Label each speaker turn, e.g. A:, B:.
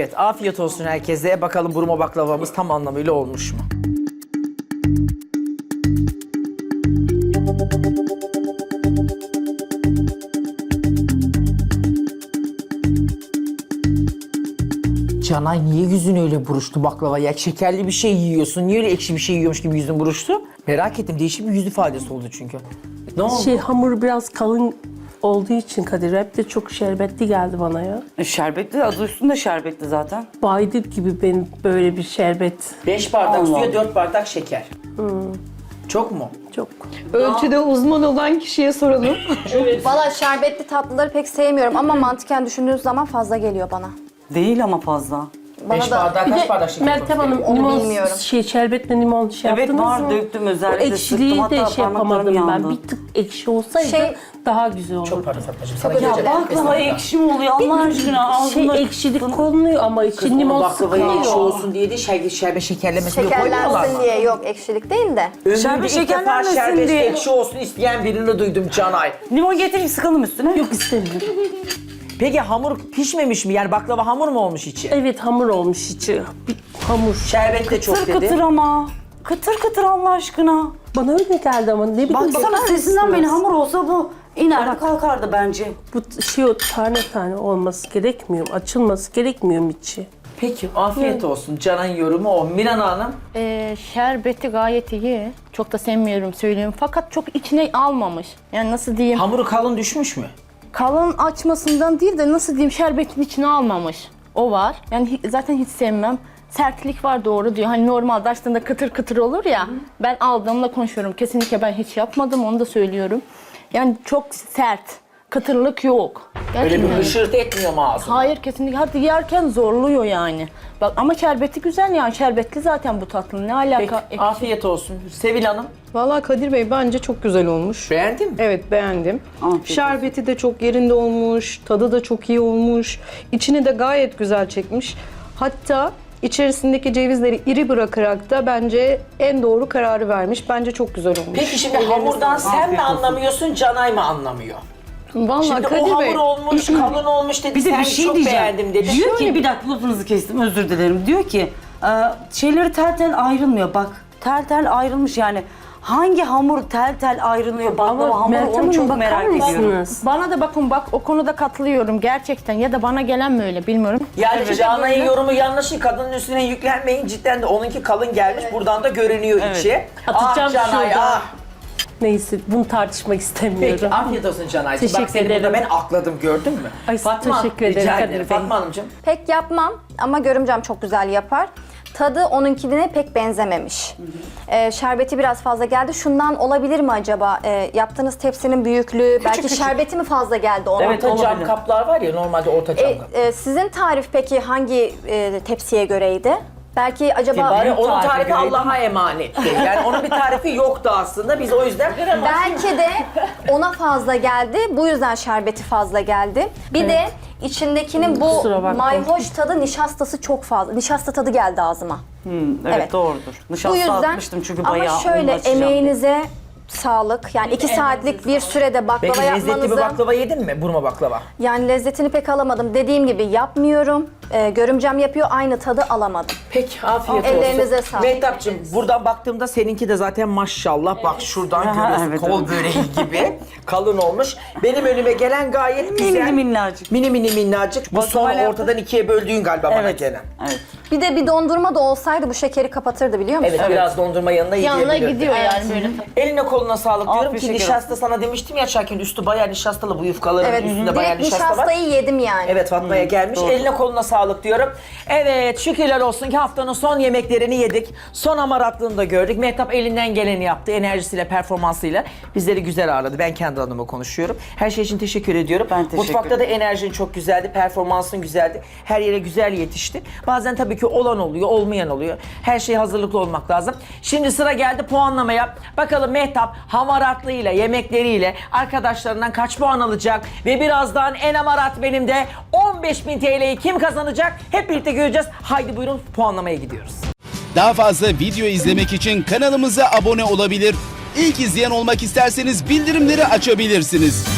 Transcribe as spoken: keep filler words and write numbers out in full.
A: Evet, afiyet olsun herkese. Bakalım burma baklavamız tam anlamıyla olmuş mu? Canay niye yüzün öyle buruştu baklava ya? Şekerli bir şey yiyorsun. Niye öyle ekşi bir şey yiyormuş gibi yüzün buruştu? Merak ettim. Değişik bir yüz ifadesi oldu çünkü. Ne oldu?
B: Şey hamur biraz kalın olduğu için Kadir hep de çok şerbetli geldi bana ya.
C: E, şerbetli, adı üstünde şerbetli zaten.
B: Baydır gibi benim böyle bir şerbet.
A: Beş bardak
C: Allah.
A: suya dört bardak şeker. Çok mu?
B: Çok.
D: Ölçüde uzman olan kişiye soralım.
E: Valla şerbetli tatlıları pek sevmiyorum ama mantıken düşündüğünüz zaman fazla geliyor bana.
C: Değil ama fazla.
E: Bana
A: Beş
E: da
A: bardak
B: Bir
A: kaç
B: de
A: bardak şeker?
B: Meltem Hanım
E: Onu
B: limon
E: bilmiyorum.
B: şey şerbetle limon şey
C: Evet,
B: yaptınız
C: var,
B: mı?
C: döktüm,
B: O
C: özellikle
B: ekşiliği
C: sıktım,
B: de
C: hatta
B: şey yapamadım
C: parmaklarım
B: ben.
C: yandı.
B: Bir tık ekşi olsaydı
E: Şey-
B: daha güzel olurdu.
A: Çok pardon Fatmacığım. Sana
E: Çok özür
A: geleceğim.
E: dilerim.
C: Baklava ekşi mi oluyor Allah aşkına?
B: Şey
C: Ağzımda-
B: ekşilik konuluyor ama için
A: Limon
B: limon
A: baklavayı ekşi
B: sıkılıyor.
A: olsun diye de şerbet, şerbet şekerlemesi diye koymuyorlar
E: Şekerlensin
A: mı?
E: diye yok, ekşilik değil de.
A: Ömrümde
C: Şerbet
A: ilk defa
C: şekerlenmesin
A: şerbet
C: diye.
A: ekşi olsun isteyen birini duydum Canay.
C: Limon getirip sıkalım üstüne.
B: Yok istemiyorum.
A: Peki hamur pişmemiş mi? Yani baklava hamur mu olmuş içi?
B: Evet hamur olmuş içi. Bir hamur.
A: Şerbet de çok
C: Kıtır
A: dedi.
C: kıtır ama. Kıtır kıtır Allah aşkına.
B: Bana öyle geldi ama ne bileyim.
C: Baksana
B: bakar
C: sesinden
B: mısınız?
C: beni hamur olsa bu inerdi kalkardı bence.
B: Bu şey o tane tane olması gerekmiyor mu? Açılması gerekmiyor mu içi?
A: Peki afiyet olsun. Canay'ın yorumu o. Miran Hanım.
F: Ee, şerbeti gayet iyi. Çok da sevmiyorum söyleyeyim. Fakat çok içine almamış. Yani nasıl diyeyim?
A: Hamuru kalın düşmüş mü?
F: Kalın açmasından değil de nasıl diyeyim şerbetin içine almamış. O var. Yani hi- zaten hiç sevmem. Sertlik var doğru diyor. Hani normalde açtığında kıtır kıtır olur ya. Ben aldığımla konuşuyorum. Kesinlikle ben hiç yapmadım onu da söylüyorum. Yani çok sert. Kıtırlık yok.
A: Öyle bir
F: Gerçekten.
A: hışırt etmiyor mu ağzını?
F: Hayır kesinlikle. Hatta yerken zorluyor yani. Bak ama şerbeti güzel yani. Şerbetli zaten bu tatlının. Ne alaka?
A: Peki afiyet olsun. Sevil Hanım.
D: Vallahi Kadir Bey bence çok güzel olmuş.
A: Beğendin mi?
D: Evet beğendim.
C: Afiyet
D: Şerbeti de çok yerinde olmuş, tadı da çok iyi olmuş. İçini de gayet güzel çekmiş. Hatta içerisindeki cevizleri iri bırakarak da bence en doğru kararı vermiş. Bence çok güzel olmuş.
A: Peki şimdi hamurdan sen
C: Afiyet
A: mi
C: olsun.
A: anlamıyorsun, Canay mı anlamıyor?
D: Vallahi
A: Şimdi
D: Kadir
A: o hamur
D: Bey,
A: olmuş, kalın olmuş dedi.
C: Bir de
A: sen
C: bir şey
A: çok
C: diyeceğim.
A: beğendim dedi.
C: Diyor ki bir dakika lafınızı kestim özür dilerim. Diyor ki e, şeyleri tel tel ayrılmıyor bak. Tel tel ayrılmış yani. Hangi hamur tel tel ayrılıyor baklava
B: Ama
C: hamuru
B: Meltem
C: onu
B: Hanım
C: çok
B: bakar
C: merak ediyorum.
B: mısınız?
F: Bana da bakın bak o konuda katılıyorum gerçekten ya da bana gelen mi öyle bilmiyorum.
A: Yani
F: Evet.
A: Canay'ın yorumu yanlış, kadının üstüne yüklenmeyin. Cidden de onunki kalın gelmiş. Buradan da görünüyor
C: Evet.
A: içi.
B: Atacağım
A: ah Canay
B: şuradan.
A: ah.
B: Neyse bunu tartışmak istemiyorum.
A: Peki afiyet olsun Canay'cığım. Bak
B: Teşekkür
A: seni burada
B: ederim.
A: ben akladım gördün mü?
B: Ay, teşekkür ederim
A: rica
B: Kadir
A: ederim.
B: Bey.
A: Fatma Hanımcığım.
E: Pek yapmam ama görümcem çok güzel yapar. Tadı onunkine pek benzememiş. Ee, şerbeti biraz fazla geldi. Şundan olabilir mi acaba? Ee, yaptığınız tepsinin büyüklüğü, belki
A: küçük.
E: şerbeti mi fazla geldi ona?
C: Evet,
A: Orta cam
C: olabilir.
A: kaplar var ya, normalde orta cam
E: E,
A: kap.
E: e, sizin tarif peki hangi e, tepsiye göreydi? Belki acaba...
A: Bari onun
C: tarifi
A: tarifi
C: göreydim.
A: Allah'a emanetti. Yani onun bir tarifi yoktu aslında. Biz o yüzden
E: Belki de ona fazla geldi. Bu yüzden şerbeti fazla geldi. Bir de içindekinin bu
B: Kusura bakmayın.
E: mayhoş tadı, nişastası çok fazla. Nişasta tadı geldi ağzıma.
C: Hmm, evet,
E: Evet.
C: doğrudur.
E: Bu
C: Nişasta
E: yüzden
C: atmıştım çünkü
E: ama
C: bayağı
E: şöyle
C: onu açacağım.
E: emeğinize sağlık. Yani iki saatlik bir sürede baklava
A: Peki lezzetli bir
E: yapmanızı...
A: baklava yedin mi? Burma baklava.
E: Yani lezzetini pek alamadım. Dediğim gibi yapmıyorum. Ee, görümcem yapıyor. Aynı tadı alamadım.
A: Peki afiyet
E: Ellerinize
A: olsun.
E: sağlık.
A: Mehtapçığım buradan baktığımda seninki de zaten maşallah bak şuradan
C: Aha,
A: görüyorsun
C: evet,
A: kol
C: evet.
A: böreği gibi kalın olmuş. Benim önüme gelen gayet
C: Mini
A: güzel.
C: mini minnacık.
A: Mini mini minnacık. Bu son
C: Baklava yaptın.
A: ortadan ikiye böldüğün galiba bana
C: Evet.
A: gelen.
C: Evet.
E: Bir de bir dondurma da olsaydı bu şekeri kapatırdı biliyor musun?
A: Evet, biraz dondurma yanına iyi
F: Yanına
A: gelebilirdi.
F: gidiyor yani böyle.
A: Eline koluna sağlık diyorum
C: Afiyet
A: ki
C: şeker
A: nişasta sana demiştim ya Çakin üstü bayağı nişastalı, bu yufkaların
E: Evet,
A: üstünde bayağı
E: direkt
A: nişasta var.
E: nişastayı yedim yani.
A: Evet Fatma'ya gelmiş.
C: doğru.
A: Eline koluna sağlık diyorum. Evet şükürler olsun ki haftanın son yemeklerini yedik. Son hamaratlığını da gördük. Mehtap elinden geleni yaptı. Enerjisiyle, performansıyla bizleri güzel ağırladı. Ben kendi adıma konuşuyorum. Her şey için teşekkür ediyorum.
C: Ben teşekkür
A: Mutfakta da enerjin çok güzeldi. Performansın güzeldi. Her yere güzel yetişti. Bazen tabii ki olan oluyor, olmayan oluyor. Her şeye hazırlıklı olmak lazım. Şimdi sıra geldi puanlamaya. Bakalım Mehtap hamaratlığıyla, yemekleriyle arkadaşlarından kaç puan alacak? Ve birazdan en hamarat benim de on beş bin T L'yi kim kazanacak? Hep birlikte göreceğiz. Haydi buyurun puanlamaya gidiyoruz.
G: Daha fazla video izlemek için kanalımıza abone olabilir. İlk izleyen olmak isterseniz bildirimleri açabilirsiniz.